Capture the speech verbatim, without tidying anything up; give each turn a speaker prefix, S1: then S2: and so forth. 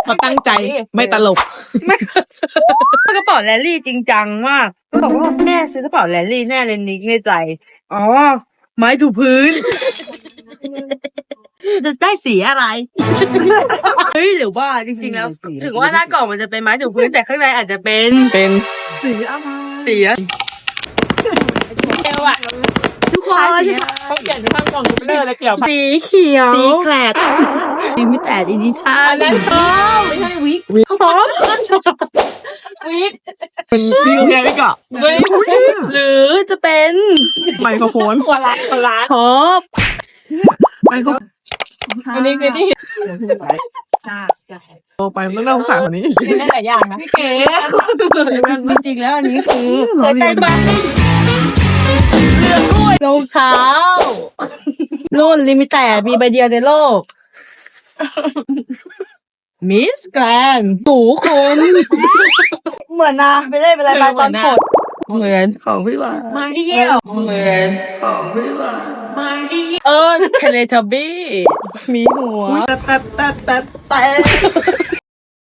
S1: เราตั้งใจไม่ตลก
S2: กระเป๋าแรลลี่จริงจังมากก็บอกว่าแม่ซื้อกระเป๋าแรลลี่แน่เลยนิกในใจอ๋อไม้ถูพื้นจะได้สีอะไรเฮ้ยหรือว่าจริงๆแล้วถึงว่าหน้ากล่องมันจะเป็นไม้ถูพื้นแต่ข้างในอาจจะเป็น
S1: เป็น
S2: สีอะไรสีอะเอวอะทุกคน
S1: เขาเขียนข้างกล่องคอมพิวเตอร์อะไรเกี่ยวกับ
S2: สีเขียว
S1: สีแคลดลิมิเต็ดอีดิชั่น
S2: นั่นพร้อมไม่ใช่วิกพร้อมวิก
S1: เป็นวิวไงพี่กะ
S2: วิกหรือจะเป็น
S1: ไมโครโฟน
S2: หัวล้านหัวล้านท็อป
S1: ไมโคร
S2: อันนี้คือที่
S1: โตไปมันต้องน่าสงสารกว่านี้
S2: ได้หลายอย่างนะพี่เก๋จริงๆแล้วอันนี้คือหัวใจบ้านเรือกล้วยรองเท้ารุ่นลิมิเต็ดมีใบเดียวในโลกมิสแกรนด์สูคนเหมือนนะไม่ได้เป็นอะไรไปตอนกดเหมือนของพี่ว่ามาเดียวเหมือนของพี่ว่ามาเดียวเออเทเลทบี้มีหัว
S1: แต่แต่แต่แต่